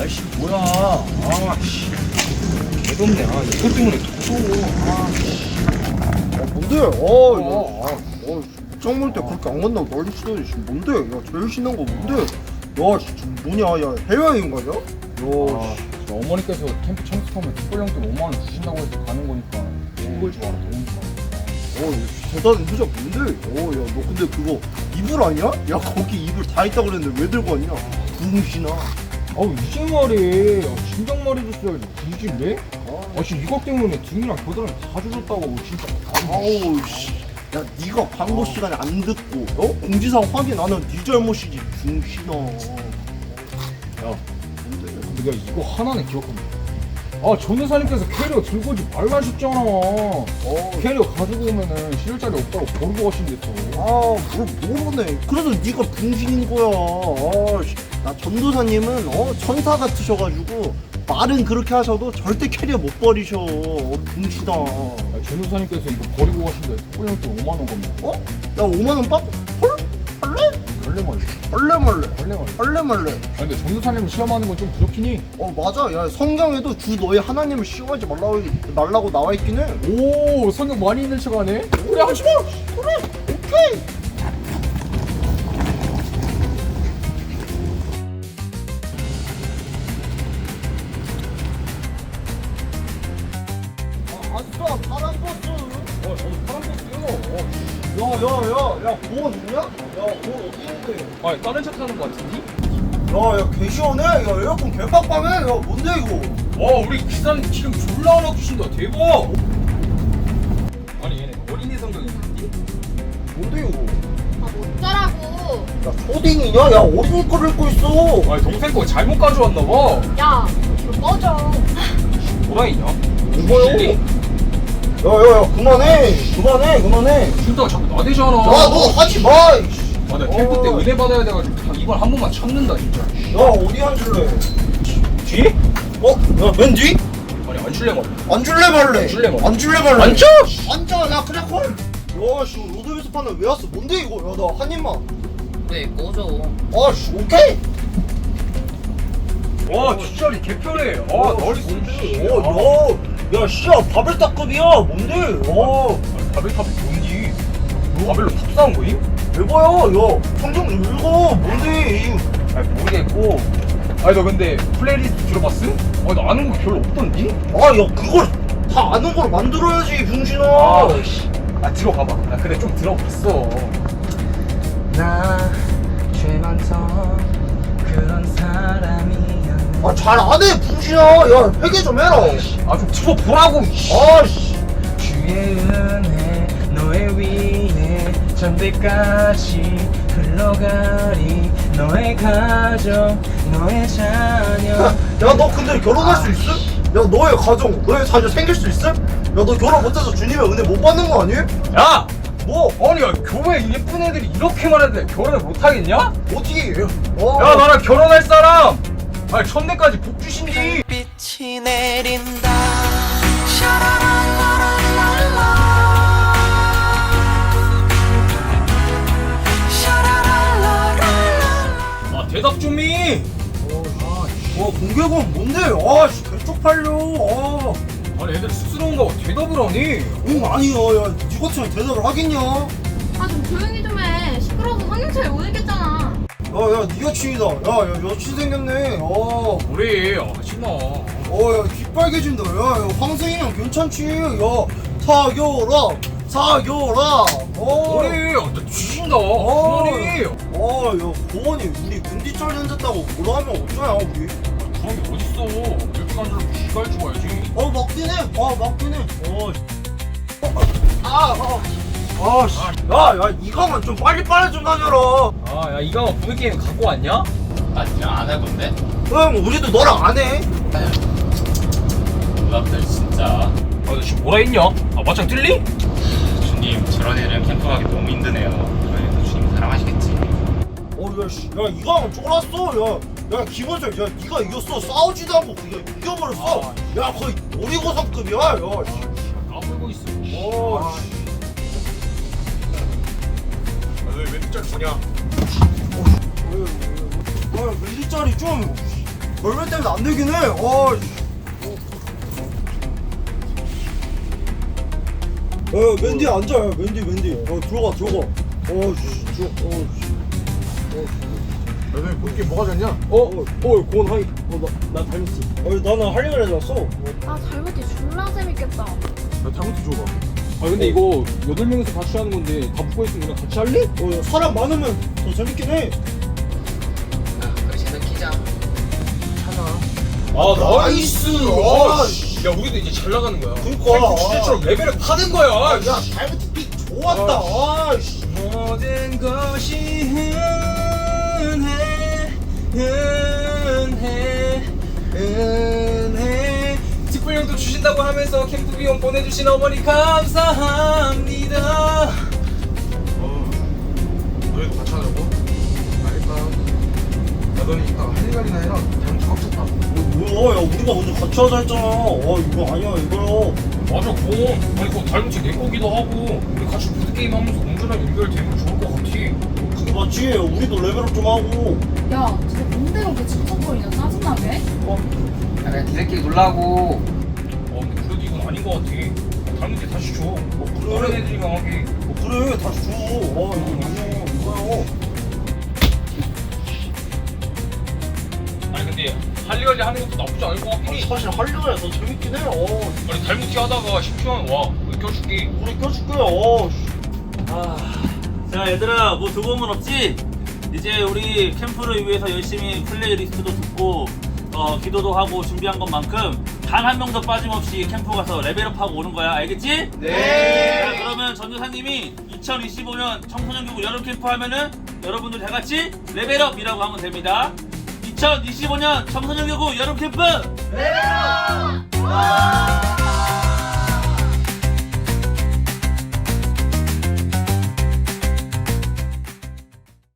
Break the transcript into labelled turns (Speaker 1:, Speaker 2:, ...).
Speaker 1: 아이씨 뭐야. 아씨 개덥네. 이것 때문에 더워.
Speaker 2: 뭔데? 입장 때 그렇게 안 간다고 난리 치더니 뭔데? 야 제일 신난 거 뭔데? 야 지금 뭐냐? 야 해외여행 가냐? 야
Speaker 1: 어머니께서 캠프 참석하면 특별용돈 5만 원 주신다고 해서 가는 거니까 이걸 좀 알아. 더우니까.
Speaker 2: 대단한 효자 뭔데? 야 너 근데 그거 이불 아니야? 야 거기 이불 다 있다 그랬는데 왜 들고 왔냐? 붕신아.
Speaker 1: 아우 이제 말해. 진작 말해줬어야지. 굳이 왜? 지금 이것 때문에 등이랑 겨드랑이 다 조졌다고 진짜.
Speaker 2: 아우 씨. 야 네가 광고 시간에 안 듣고 공지사항 확인 안 하면 네 잘못이지 붕신아.
Speaker 1: 야, 내가 이거 하나는 기억합니다. 전도사님께서 캐리어 들고 오지 말라 하셨잖아. 캐리어 가지고 오면은 실을 자리 없다고 버리고 가신댔어.
Speaker 2: 뭘 모르네. 그래서 네가 붕신인 거야. 나 전도사님은 천사 같으셔가지고 말은 그렇게 하셔도 절대 캐리어 못 버리셔. 붕신아.
Speaker 1: 전도사님께서 이거 버리고 가신데 특별용돈 5만 원 겁니다.
Speaker 2: 야 5만 원 빡? 헐? 할래?
Speaker 1: 원래 말이야.
Speaker 2: 할래 말래?
Speaker 1: 원래 말이야.
Speaker 2: 할래 말래?
Speaker 1: 근데 전도사님을 시험하는 건 좀 부족히 니?
Speaker 2: 맞아. 야 성경에도 주 너의 하나님을 시험하지 말라고 나와 있긴 해.
Speaker 1: 오, 성경 많이 읽는 척하네.
Speaker 2: 그래 하지마. 그래 오케이. 아싸 파란 버스.
Speaker 1: 저도 파란 버스요.
Speaker 2: 야야야야 보험 있냐? 야 보험 어디 있는데?
Speaker 1: 다른 차 타는 거 같은데?
Speaker 2: 야야 개 시원해. 야 에어컨 개 빡빡해. 야 뭔데 이거?
Speaker 1: 우리 기사님 지금 졸라 하나 주신다. 대박. 아니 얘네 어린이 성경이 있니?
Speaker 2: 뭔데 이거?
Speaker 3: 어쩌라고.
Speaker 2: 야 초딩이냐? 야 어린이 거를 읽고 있어.
Speaker 1: 동생 거 잘못 가져왔나 봐.
Speaker 3: 야, 이거 꺼져.
Speaker 1: 뭐라 했냐?
Speaker 2: 이거요? 야야야 그만해.
Speaker 1: 준다가 자꾸 나대잖아.
Speaker 2: 야 너 하지 마. 이씨.
Speaker 1: 나 캠프 때 은혜 받아야 돼가지고 이번 한 번만 참는다 진짜.
Speaker 2: 야 어디 앉을래?
Speaker 1: 뒤?
Speaker 2: 야맨 뒤?
Speaker 1: 아니 안 줄래 말이야.
Speaker 2: 앉을래 말래?
Speaker 1: 앉을래 말래?
Speaker 2: 앉을래 말래?
Speaker 1: 앉아!
Speaker 2: 앉아. 야 그래 콜. 야씨 로드뷰스 판을 왜 왔어? 뭔데 이거? 야 나 한 입만.
Speaker 4: 네, 꺼져.
Speaker 2: 아씨 오케이.
Speaker 1: 와 뒷자리 개편해. 너리
Speaker 2: 야 씨야 바벨탑급이야. 뭔데?
Speaker 1: 바벨탑이 뭔지. 바벨로 탑 쌓은 거임?
Speaker 2: 대봐야. 야 성경 좀 읽어. 뭔데?
Speaker 1: 모르겠고. 너 근데 플레이리스트 들어봤음? 나 아는 거 별로 없던데?
Speaker 2: 야 그걸 다 아는 걸 만들어야지 병신아.
Speaker 1: 들어가봐. 나 근데 좀 들어봤어.
Speaker 4: 나 죄만성 그런 사람이야.
Speaker 2: 잘 안해 병신아. 야 회개 좀 해라.
Speaker 1: 좀 들어보라고.
Speaker 2: 아씨.
Speaker 4: 주의 은혜 너의 위에 전대까지 흘러가리. 너의 가정 너의 자녀.
Speaker 2: 야 너 근데 결혼할 수 있음? 야 너의 가정 너의 자녀 생길 수 있음? 야 너 결혼 못해서 주님의 은혜 못 받는 거 아니?
Speaker 1: 야!
Speaker 2: 뭐?
Speaker 1: 아니 야 교회 예쁜 애들이 이렇게 말하는데 결혼을 못하겠냐?
Speaker 2: 어떻게 해?
Speaker 1: 야 나랑 결혼할 사람! 천대까지 복 주신디.
Speaker 5: 빛이 내린다.
Speaker 1: 대답 좀이.
Speaker 2: 공개건 뭔데? 아씨 개쪽팔려.
Speaker 1: 아니 애들 스스러운가 봐. 대답을 하니.
Speaker 2: 아니야. 야 니 같으면 대답을 하겠냐?
Speaker 3: 좀 조용히 좀 해. 시끄러워서 성경 잘 못 읽겠잖아.
Speaker 2: 야야 니 여친이다. 야 여친 생겼네.
Speaker 1: 우리 하지마.
Speaker 2: 야 귓빨개진다. 야 황승이랑 괜찮지? 야 사겨라.
Speaker 1: 우리 나 뒤진다. 그만해.
Speaker 2: 야 고원이 우리 군디철 던졌다고 뭐라 하면 어쩌냐 우리?
Speaker 1: 그런 게 어딨어. 이렇게 간줄 기갈 죽어야지.
Speaker 2: 맞긴 해. 야 이거만 좀 빨리 좀 다녀라.
Speaker 1: 야 이거 부부 게임 갖고 왔냐?
Speaker 4: 나 진짜 안 해본데?
Speaker 2: 형 우리도 너랑 안 해.
Speaker 4: 누나들 진짜.
Speaker 1: 너 지금 뭐라 했냐? 맞짱 뜰리?
Speaker 4: 주님, 저런 애들은 캠프 가기 너무 힘드네요. 그러니까 주님 사랑하시겠지.
Speaker 2: 야 이거만 쫄았어. 야 김원철 야 니가 이겼어. 싸우지도 않고 그냥 이겨버렸어. 야 거의 놀이고성급이야.
Speaker 1: 까불고 있어.
Speaker 2: 왜 짤 주냐? 밀리짜리 좀. 얼마 때문에 안 되긴 해. 맨디 앉아. 맨디. 들어가.
Speaker 1: 너네 볼게 뭐가 졌냐?
Speaker 2: 고원 하이. 나 닮았지. 나는 할리가 해줬어.
Speaker 3: 아 잘못해 졸라 재밌겠다.
Speaker 1: 나 잘못해 줘봐. 아 근데 이거 8명이서 같이 하는 건데 다 붙고 있으면 그냥 같이 할래?
Speaker 2: 사람 많으면 더 재밌긴 해.
Speaker 5: 우리 쟤는 키자.
Speaker 1: 아
Speaker 2: 나이스.
Speaker 1: 야 우리도 이제 잘 나가는 거야.
Speaker 2: 그니까.
Speaker 1: 진짜처럼 레벨을 파는 거야.
Speaker 2: 야, 닮은 픽 좋았다.
Speaker 1: 모든 것이 은혜 특별령도 주신다고 하면서 캠프 비용 보내주신 어머니 감사합니다. 너희도 같이 하자고? 알겠다. 야 너는 이따가 할 일이나 해라. 잘못 합쳤다.
Speaker 2: 뭐야, 야, 우리가 먼저 같이 하자 했잖아. 이거 아니야, 이거요.
Speaker 4: 맞아 공. 아니 그거 닮은지 내 거기도 하고 우리 같이 보드게임 하면서 운전랑 연결되면 좋을 것 같아.
Speaker 2: 그게 맞지. 우리도 레벨업 좀 하고.
Speaker 3: 야 진짜 뭔데 그렇게 칭찬거리냐 짜증나게?
Speaker 5: 야, 그냥 니들끼리 놀라고.
Speaker 4: 근데 그래도 이건 아닌 것 같아. 닮은지 다시 줘.
Speaker 2: 그래.
Speaker 4: 다른 애들이랑 하게.
Speaker 2: 그래, 다시 줘. 이거 아니야, 이거요.
Speaker 4: 아니 근데 할리갈리 하는 것도 나쁘지 않을 것 같긴 해.
Speaker 2: 사실 할리가 더 재밌긴 해.
Speaker 4: 아니 닮은지 하다가 심심하면 와. 우리 껴줄게.
Speaker 2: 우리 껴줄게.
Speaker 6: 자 얘들아 뭐 두고온 건 없지? 이제 우리 캠프를 위해서 열심히 플레이리스트도 듣고 기도도 하고 준비한 것만큼 단 한 명도 빠짐없이 캠프 가서 레벨업하고 오는 거야. 알겠지? 네. 자 그러면 전도사님이 2025년 청소년교육 여름 캠프 하면은 여러분들 다 같이 레벨업이라고 하면 됩니다. 2025년 청소년교육 여름 캠프
Speaker 3: 레벨업!